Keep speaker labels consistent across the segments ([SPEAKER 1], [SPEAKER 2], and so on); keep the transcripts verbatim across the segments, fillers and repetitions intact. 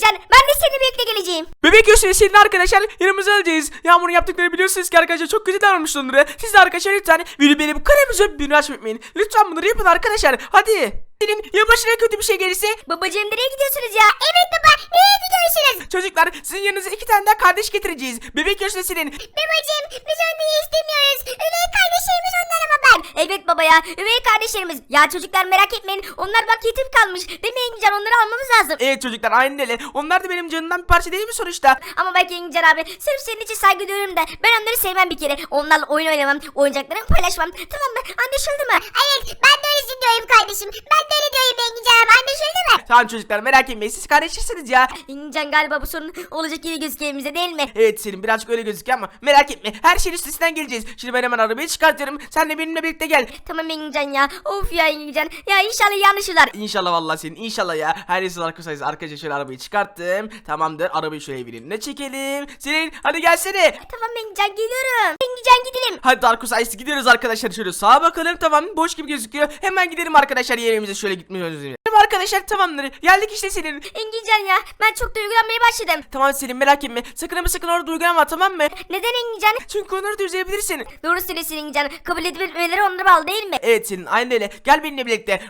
[SPEAKER 1] Engincan, ben de seninle birlikte geleceğim.
[SPEAKER 2] Bebek Yosef senin arkadaşlar yanımıza alacağız. Yağmur'un yaptıklarını biliyorsunuz ki arkadaşlar çok kötü davranmış onlara. Siz de arkadaşlar lütfen videoyu beğenip kanalımıza abone olmayı. Lütfen bunları yapın arkadaşlar. Hadi. Senin ya başına kötü bir şey gelirse?
[SPEAKER 1] Babacığım nereye gidiyorsunuz ya? Evet baba, nereye gidiyorsunuz?
[SPEAKER 2] Çocuklar sizin yanınıza iki tane daha kardeş getireceğiz. Bebek Yosef senin.
[SPEAKER 1] Babacığım biz onları istemiyoruz. Üvey kardeşlerimiz onlar ama ben. Evet baba ya, üvey kardeşlerimiz. Ya çocuklar merak etmeyin, onlar bak yetim kalmış. Değil mi Engincan, onları almamız lazım.
[SPEAKER 2] Evet çocuklar aynen öyle. Onlar da benim canımdan bir parça değil mi sonuçta?
[SPEAKER 1] Ama belki Engincan abi, sırf senin için saygı duyuyorum da ben onları sevmem bir kere. Onlarla oyun oynamam, oyuncaklarımı paylaşmam. Tamam mı? Anlaşıldı mı? Evet, ben de öyle diyorum kardeşim. Ben de öyle diyorum Engincan abi, anlaşıldı mı?
[SPEAKER 2] Tamam çocuklar merak etmeyin siz kardeşsiniz ya.
[SPEAKER 1] Engincan galiba bu sorun olacak gibi gözüküyor bize, değil mi?
[SPEAKER 2] Evet Selim birazcık öyle gözüküyor ama merak etme her şeyin üstesinden geleceğiz. Şimdi ben hemen arabayı çıkartıyorum. Sen de benimle birlikte gel.
[SPEAKER 1] Tamam Engincan ya. Of ya Engincan. Ya inşallah yanlışlar.
[SPEAKER 2] İnşallah vallahi senin inşallah ya. Her neyse arkadaşlar arkadaşlar şöyle arabayı çıkarttım. Tamamdır arabayı şöyle evin önüne çekelim. Senin hadi gelsene.
[SPEAKER 1] Tamam Engincan, geliyorum. Engincan gidelim.
[SPEAKER 2] Hadi Darkus Ice gidiyoruz arkadaşlar şöyle sağa bakalım tamam boş gibi gözüküyor. Hemen gidelim arkadaşlar yerimize şöyle gitmiyoruz. Tamam arkadaşlar tamamdır geldik işte Senin.
[SPEAKER 1] Engincan ya, ben çok duygulanmaya başladım.
[SPEAKER 2] Tamam Selim merak etme sakın ama sakın orada duygulanma tamam mı?
[SPEAKER 1] Neden Engincan?
[SPEAKER 2] Çünkü onları da üzebilirsin.
[SPEAKER 1] Doğru söylüyorsun Engincan. Kabul edip etmeleri onlara bağlı değil mi?
[SPEAKER 2] Evet Senin aynen öyle gel benimle birlikte.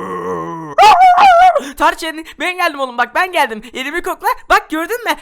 [SPEAKER 2] Tarçın ben geldim oğlum bak ben geldim. Elimi kokla bak gördün mü?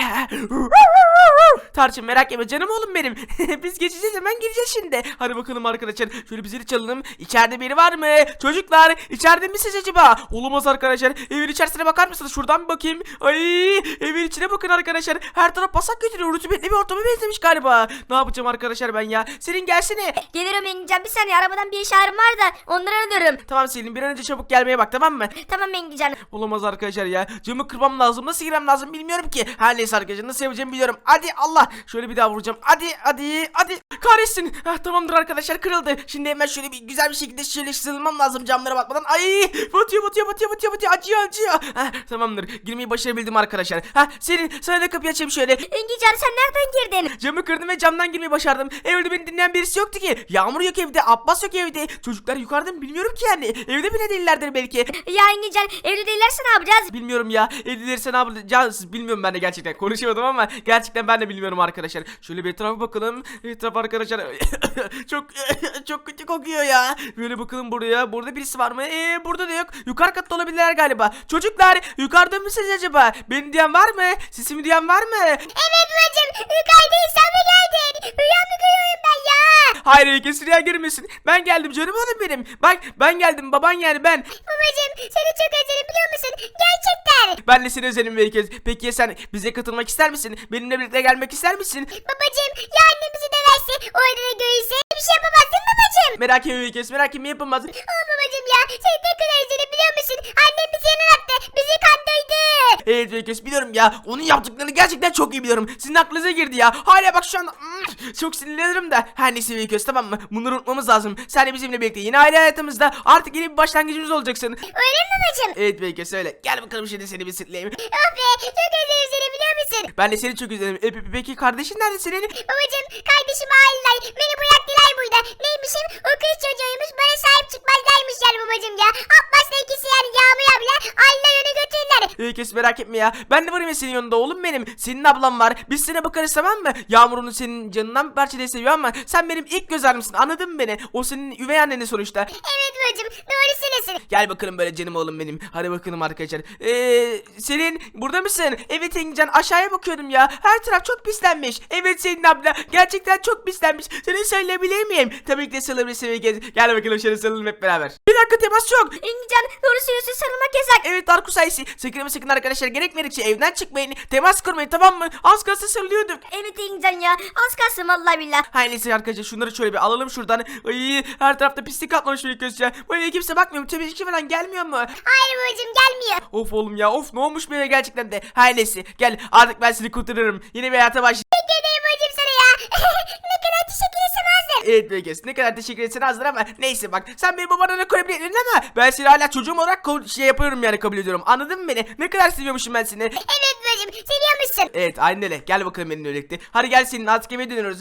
[SPEAKER 2] Tarçın merak etme canım oğlum benim. Biz geçeceğiz hemen gireceğiz şimdi. Hadi bakalım arkadaşlar şöyle bir zili çalalım. İçeride biri var mı? Çocuklar içeride misiniz acaba? Olamaz arkadaşlar. Evin içerisine bakar mısınız? Şuradan bir bakayım. Ay evin içine bakın arkadaşlar. Her taraf pasak götürüyor. Rutubetli bir ortama benzemiş galiba. Ne yapacağım arkadaşlar ben ya? Senin gelsene.
[SPEAKER 1] Gelirim Engincan, bir saniye, arabadan bir işaretim var da onları arıyorum.
[SPEAKER 2] Tamam Selim bir an önce çabuk gelmeye bak tamam mı?
[SPEAKER 1] Tamam Engincan.
[SPEAKER 2] Olamaz arkadaşlar ya. Camı kırmam lazım. Nasıl girmem lazım bilmiyorum ki. Her neyse arkadaşlar nasıl yapacağımı biliyorum. Hadi Allah. Şöyle bir daha vuracağım. Hadi hadi hadi. Kahretsin. Ah, tamamdır arkadaşlar kırıldı. Şimdi hemen şöyle bir güzel bir şekilde şöyle sığınmam lazım camlara bakmadan. Ay batıyor batıyor batıyor batıyor batıyor. Acıyor acıyor. Ah, tamamdır. Girmeyi başarabildim arkadaşlar. Ha senin sana da kapıyı açayım şöyle.
[SPEAKER 1] Engincan sen nereden girdin?
[SPEAKER 2] Camı kırdım ve camdan girmeyi başardım. Evde beni dinleyen birisi yoktu ki. Yağmur yok evde. Abbas yok evde. Çocuklar yukarıda mı bilmiyorum ki yani. Evde bile değillerdir belki.
[SPEAKER 1] Ya Engincan, evde değillerse ne yapacağız?
[SPEAKER 2] Bilmiyorum ya. Evlilerse ne yapacağız bilmiyorum ben de gerçekten. Konuşamadım ama gerçekten ben de bilmiyorum arkadaşlar. Şöyle bir etrafa bakalım. Etraf arkadaşlar çok çok kötü kokuyor ya. Böyle bakalım buraya. Burada birisi var mı? Eee burada da yok. Yukarı katta olabilirler galiba. Çocuklar yukarıda mısınız acaba? Beni duyan var mı? Sesimi duyan var mı?
[SPEAKER 1] Evet bacım, yukarıdaysan mı geldin? Rüya mı görüyorum ben ya?
[SPEAKER 2] Hayır herkes rüya görmesin. Ben geldim canım oğlum benim. Bak ben geldim baban yani ben.
[SPEAKER 1] Babacım seni çok özledim biliyor musun? Gerçekten.
[SPEAKER 2] Ben de seni özledim herkes. Peki ya sen bize katılmak ister misin? Benimle birlikte gelmek ister misin?
[SPEAKER 1] Babacım ya annemizi döverse, orada da görürse bir şey yapamazsın babacım.
[SPEAKER 2] Merak etme herkes merak etme yapılmaz.
[SPEAKER 1] Aa babacım ya, seni ne kadar özledim biliyor musun? Annem bizi yanına attı, bizi kandırdı.
[SPEAKER 2] Evet herkes biliyorum ya. Onun yaptıklarını gerçekten çok iyi biliyorum. Sizin aklınıza girdi ya. Hala bak şu anda mm, çok sinirlenirim da. Her neyse herkes tamam mı? Bunları unutmamız lazım. Sen de bizimle birlikte yeni aile hayatımızda artık yeni bir başlangıcımız olacaksın.
[SPEAKER 1] Öyle mi babacım?
[SPEAKER 2] Evet herkes öyle. Gel bakalım şimdi seni bir sırtlayayım.
[SPEAKER 1] Oh be, çok özledim seni biliyor musun?
[SPEAKER 2] Ben de seni çok özledim. E, pe- peki kardeşin nerede senin?
[SPEAKER 1] Babacım kardeşim aileler beni bıraktılar burada. Neymişim? O kız çocuğuymuş, bana sahip çıkmazlarmış yani babacım ya. Abbas'la ikisi yani Yağmur abla aileler onu götürdüler.
[SPEAKER 2] Herkes merak etme ya. Ben de varım ya senin yanında oğlum benim. Senin ablam var. Biz sana bakarız tamam mı? Yağmur'un senin canından bir parça diye seviyor ama sen benim ilk göz ağrımsın. Anladın mı beni? O senin üvey anneni sonuçta.
[SPEAKER 1] Evet babacım, doğru söylüyorsun.
[SPEAKER 2] Gel bakalım böyle canım oğlum benim. Hadi bakalım arkadaşlar. Eee Selin burada mısın? Evet Engincan aşağıya bakıyordum ya. Her taraf çok pislenmiş. Evet Selin abla gerçekten çok pislenmiş. Seni söyleyebilir miyim? Tabii ki de sarılabilirsin. Gel bakalım şöyle sarılalım hep beraber. Bir dakika temas yok.
[SPEAKER 1] Engincan doğru söylüyorsun, sarılmak yasak.
[SPEAKER 2] Evet Darkus Ice. Sakın ama sakın arkadaşlar gerekmedikçe evden çıkmayın. Temas kurmayın tamam mı? Az kalsın sarılıyorduk.
[SPEAKER 1] Evet Engincan ya, az kalsın vallahi billah.
[SPEAKER 2] Her neyse arkadaşlar şunları şöyle bir alalım şuradan. Ay, her tarafta pislik atlamış bir göz ya. Bu eve kimse bakmıyor mu? Temizlikçi falan gelmiyor mu?
[SPEAKER 1] Hayır babacım, gelmiyor.
[SPEAKER 2] Of oğlum ya of ne olmuş böyle gerçekten de. Her neyse gel artık ben seni kurtarırım. Yeni bir hayata başlayacağım.
[SPEAKER 1] Teşekkür ederim babacım sana ya. Ne kadar teşekkür etsem azdır.
[SPEAKER 2] Evet Vegas ne kadar teşekkür etsen azdır ama neyse bak sen benim babana ne koyabilirdin ama ben seni hala çocuğum olarak şey yapıyorum yani kabul ediyorum anladın mı beni? Ne kadar seviyormuşum ben seni.
[SPEAKER 1] Evet babacım, seviyormuşsun.
[SPEAKER 2] Evet aynen öyle gel bakalım benimle birlikte. Hadi gel senin artık eve dönüyoruz.
[SPEAKER 1] Engincan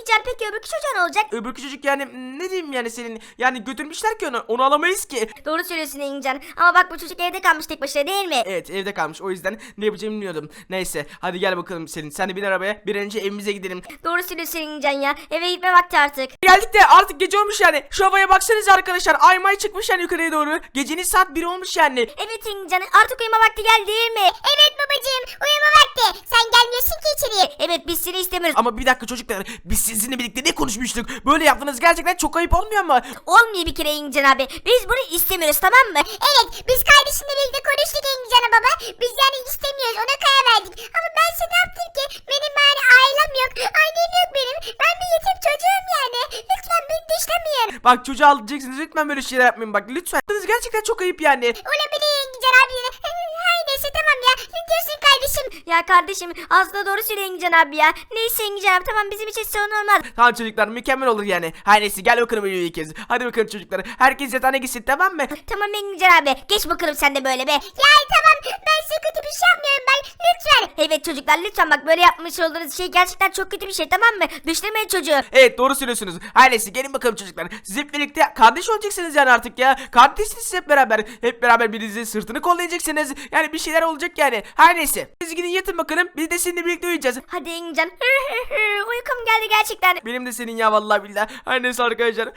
[SPEAKER 1] Engincan peki öbürkü çocuğa ne olacak?
[SPEAKER 2] Öbürkü çocuk yani ne diyeyim yani senin yani götürmüşler ki onu onu alamayız ki.
[SPEAKER 1] Doğru söylüyorsun Engincan. Ama bak bu çocuk evde kalmış tek başına değil mi?
[SPEAKER 2] Evet evde kalmış o yüzden ne yapacağımı bilmiyordum. Neyse hadi gel bakalım Selin sen de bin arabaya bir an önce evimize gidelim.
[SPEAKER 1] Doğru söylüyorsun Engincan ya. Eve gitme vakti artık.
[SPEAKER 2] Geldik de artık gece olmuş yani. Şu havaya baksanıza arkadaşlar. Ay may çıkmış yani yukarıya doğru. Gecenin saat bir olmuş yani.
[SPEAKER 1] Evet Engincan artık uyuma vakti geldi değil mi? Evet babacığım uyuma vakti. Sen gelmiyorsun ki içeriye. Evet biz seni istemiyoruz.
[SPEAKER 2] Ama bir dakika çocuklar. Biz sizinle birlikte ne konuşmuştuk? Böyle yaptığınız gerçekten çok ayıp olmuyor mu?
[SPEAKER 1] Olmuyor bir kere Engincan abi. Biz bunu istemiyoruz tamam mı? Evet biz kardeşimle birlikte konuştuk Engincan'a baba. Biz yani istemiyoruz ona karar verdik. Ama ben size ne yaptım ki? Benim yani ailem yok. Annem yok benim. Ben bir yetim çocuğum yani. Lütfen beni dışlamayın.
[SPEAKER 2] Bak çocuğu alacaksınız. Lütfen böyle şeyler yapmayın bak. Lütfen. Yaptığınız gerçekten çok ayıp yani.
[SPEAKER 1] Olabilir Engincan abi. Hay neyse tamam ya. Ne diyorsun kardeşim? Ya kardeşim aslında doğru söylüyor Engincan abi ya. Neyse Engincan abi tamam bizim için sorun olmaz.
[SPEAKER 2] Tamam çocuklar mükemmel olur yani. Her neyse gel bakalım böyle bir kez. Hadi bakalım çocuklar. Herkes yatağına gitsin tamam mı?
[SPEAKER 1] Tamam Engincan abi. Geç bakalım sen de böyle be. Ya tamam ben size kötü bir şey yapmıyorum ben. Lütfen. Evet çocuklar lütfen bak böyle yapmış olduğunuz şey gerçekten çok kötü bir şey tamam mı? Dışlamayın çocuğu.
[SPEAKER 2] Evet doğru söylüyorsunuz. Her neyse gelin bakalım çocuklar. Siz hep birlikte kardeş olacaksınız yani artık ya. Kardeşsiniz siz hep beraber. Hep beraber birinizin sırtını kollayacaksınız. Yani bir şeyler olacak yani. Her neyse. Siz gidin yatın bakalım. Biz de seninle birlikte uyuyacağız.
[SPEAKER 1] Hadi Engincan. Uykum geldi gerçekten.
[SPEAKER 2] Benim de senin ya vallahi billahi. Her neyse arkadaşlar.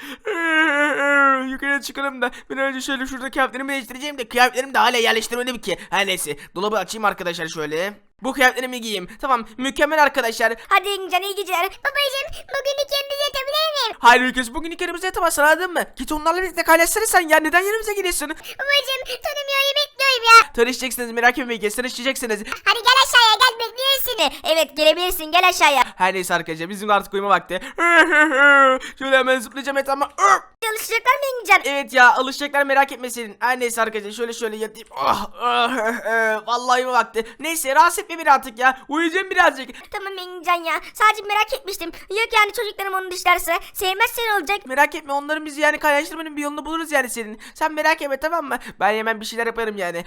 [SPEAKER 2] Yukarıya çıkalım da bir an önce şöyle şurada kıyafetlerimi değiştireceğim de kıyafetlerimi de hala yerleştirmedim ki. Her neyse. Dolabı açayım arkadaşlar şöyle. Bu kıyafetlerimi giyeyim. Tamam mükemmel arkadaşlar.
[SPEAKER 1] Hadi Engincan iyi geceler. Babacığım bugün ikimiz yatabilir miyim?
[SPEAKER 2] Hayır ülkesi bugün ilk yanımıza yatamazsın anladın mı? Git onlarla birlikte kaynaşsana sen ya. Neden yanımıza geliyorsun?
[SPEAKER 1] Babacığım tanımıyorum bekliyorum ya.
[SPEAKER 2] Tanışacaksınız merak etmeyin ki tanışacaksınız.
[SPEAKER 1] Hadi gel aşağıya gel bekliyoruz seni. Evet gelebilirsin gel aşağıya.
[SPEAKER 2] Her neyse arkadaşlar bizim de artık uyuma vakti. Şöyle hemen zıplayacağım etrafıma.
[SPEAKER 1] Çalışacaklar mı Engincan?
[SPEAKER 2] Evet ya alışacaklar merak etme senin. Her neyse arkadaşlar şöyle şöyle yatayım. Oh, oh, vallahi uyuma vakti. Neyse rahatsız etme beni artık ya. Uyuyacağım birazcık.
[SPEAKER 1] Tamam Engincan ya. Sadece merak etmiştim. Yok yani çocuklarım onu dışlarsa sevmezsen olacak.
[SPEAKER 2] Merak etme onların bizi yani kaynaştırmanın bir yolunu buluruz yani senin. Sen merak etme tamam mı? Ben hemen bir şeyler yaparım yani.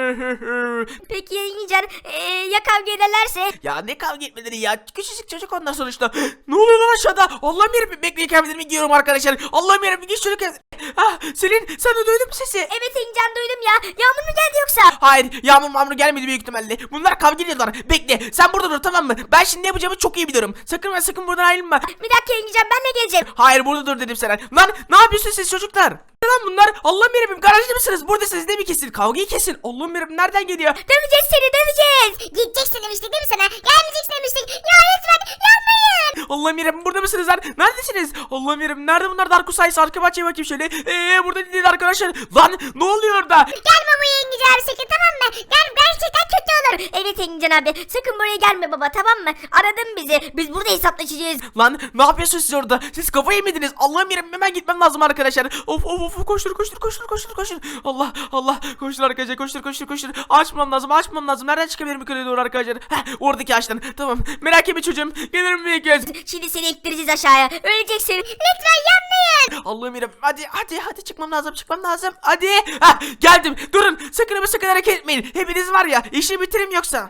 [SPEAKER 1] Peki Engincan ee, ya kavga ederlerse?
[SPEAKER 2] Ya ne kavga etmeleri ya. Küçücük çocuk onlar sonuçta. Ne oluyor lan aşağıda? Allah'ım yarabbim bekleyin kıyafetlerimi giyiyorum arkadaşlar. Allah'ım yarabbim geç şöyle kıyafet. Ah Selin sen de duydun mu sesi?
[SPEAKER 1] Evet Engincan duydum ya. Yağmur mu geldi yoksa?
[SPEAKER 2] Hayır yağmur mamur gelmedi büyük ihtimalle. Bunlar kavga ediyorlar. Bekle sen burada dur tamam mı? Ben şimdi ne yapacağımı çok iyi biliyorum. Sakın ve sakın buradan ayrılma.
[SPEAKER 1] Bir dakika Engincan ben de geleceğim.
[SPEAKER 2] Hayır burada dur dedim sana. Lan ne yapıyorsunuz siz çocuklar? Ne lan bunlar? Allah'ım yarabbim garajda mısınız? Buradasınız değil mi kesin? Kavgayı kesin. Allah'ım yarabbim nereden geliyor?
[SPEAKER 1] Döveceğiz seni döveceğiz. Gideceksin demiştik değil mi sana? Gelmeyeceksin demiştik. Ya lütfen yapmayın.
[SPEAKER 2] Allah'ım yarabbim burada mısınız lan? Neredesiniz? Allah'ım yarabbim nerede bunlar? Darko sayısı arka bahçeye bakayım şöyle. Eee burada değil arkadaşlar. Lan ne oluyor orada?
[SPEAKER 1] Gel baba Engincan abi sakın tamam mı? Gel gerçekten kötü olur. Evet Engincan abi sakın buraya gelme baba tamam mı? Aradın bizi. Biz burada hesaplaşacağız.
[SPEAKER 2] Lan ne yapıyorsunuz siz orada? Siz kafayı yemediniz. Allah'ım yarabbim hemen gitmem lazım arkadaşlar. Of of of koştur koştur koştur koştur koştur. Allah Allah koştur arkadaşlar koştur koştur koştur. Açmam lazım açmam lazım. Nereden çıkabilirim yukarıya doğru arkadaşlar? Heh oradaki ağaçtan. Tamam merak etme çocuğum. Gelirim bir kez.
[SPEAKER 1] Şimdi seni ektireceğiz aşağıya. Öleceksin. Lütfen yapmayın.
[SPEAKER 2] Allah'ım yarabbim hadi hadi hadi çıkmam lazım çıkmam lazım. Hadi. Hah geldim. Durun sakın ama sakın hareket etmeyin. Hepiniz var ya işi bitirim yoksa.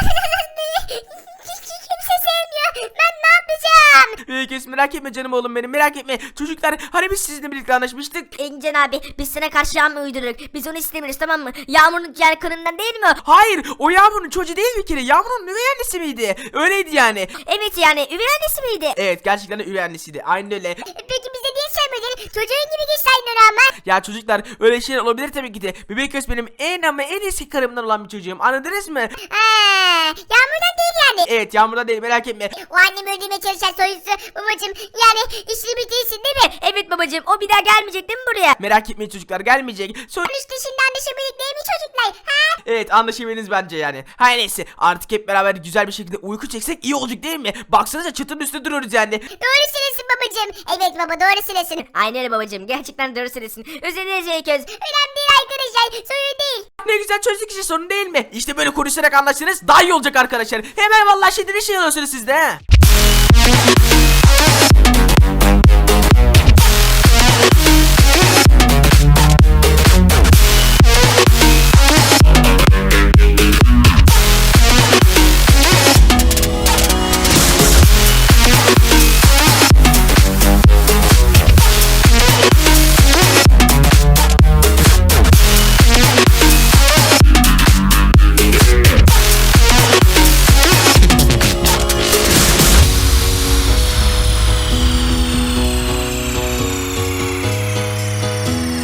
[SPEAKER 1] Kimse sevmiyor. Ben ne yapacağım?
[SPEAKER 2] Peki merak etme canım oğlum benim merak etme. Çocuklar hani biz sizinle birlikte anlaşmıştık.
[SPEAKER 1] Engincan abi biz sana karşı yağmur uydurduk. Biz onu istemiyoruz tamam mı? Yağmurun yer kanından değil mi o?
[SPEAKER 2] Hayır o Yağmur'un çocuğu değil bir kere. Yağmur'un üvey annesi miydi? Öyleydi yani.
[SPEAKER 1] Evet yani üvey annesi miydi?
[SPEAKER 2] Evet gerçekten de üvey annesiydi. Aynen öyle.
[SPEAKER 1] Peki bize niye söylemedin? Çocuğun gibi geçseydin onu ama.
[SPEAKER 2] Ya çocuklar öyle şeyler olabilir tabii ki de. Bebek göz benim en ama en eski karımdan olan bir çocuğum. Anladınız mı?
[SPEAKER 1] Haa, Yağmurdan değil yani.
[SPEAKER 2] Evet Yağmur'dan değil merak etme.
[SPEAKER 1] O annemi öldürmeye çalışan soyusu babacım. Yani işini bitirsin değil mi? Evet babacım o bir daha gelmeyecek değil mi buraya?
[SPEAKER 2] Merak etmeyin çocuklar gelmeyecek. Sonra...
[SPEAKER 1] İşte şimdi anlaşabildik değil mi çocuklar? Ha?
[SPEAKER 2] Evet anlaşabiliniz bence yani. Hayır neyse artık hep beraber güzel bir şekilde uyku çeksek iyi olacak değil mi? Baksanıza çatının üstünde duruyoruz yani.
[SPEAKER 1] Doğru söylesin babacım. Evet baba doğru söylesin. Aynen öyle babacım gerçekten doğru söylesin. Özellikle Zeyköz. Önemli değil arkadaşlar sorun değil.
[SPEAKER 2] Ne güzel çözdük işte sorun değil mi? İşte böyle konuşarak anlaştınız daha iyi olacak arkadaşlar. Hemen vallahi şimdi bir şey alıyorsunuz siz de he.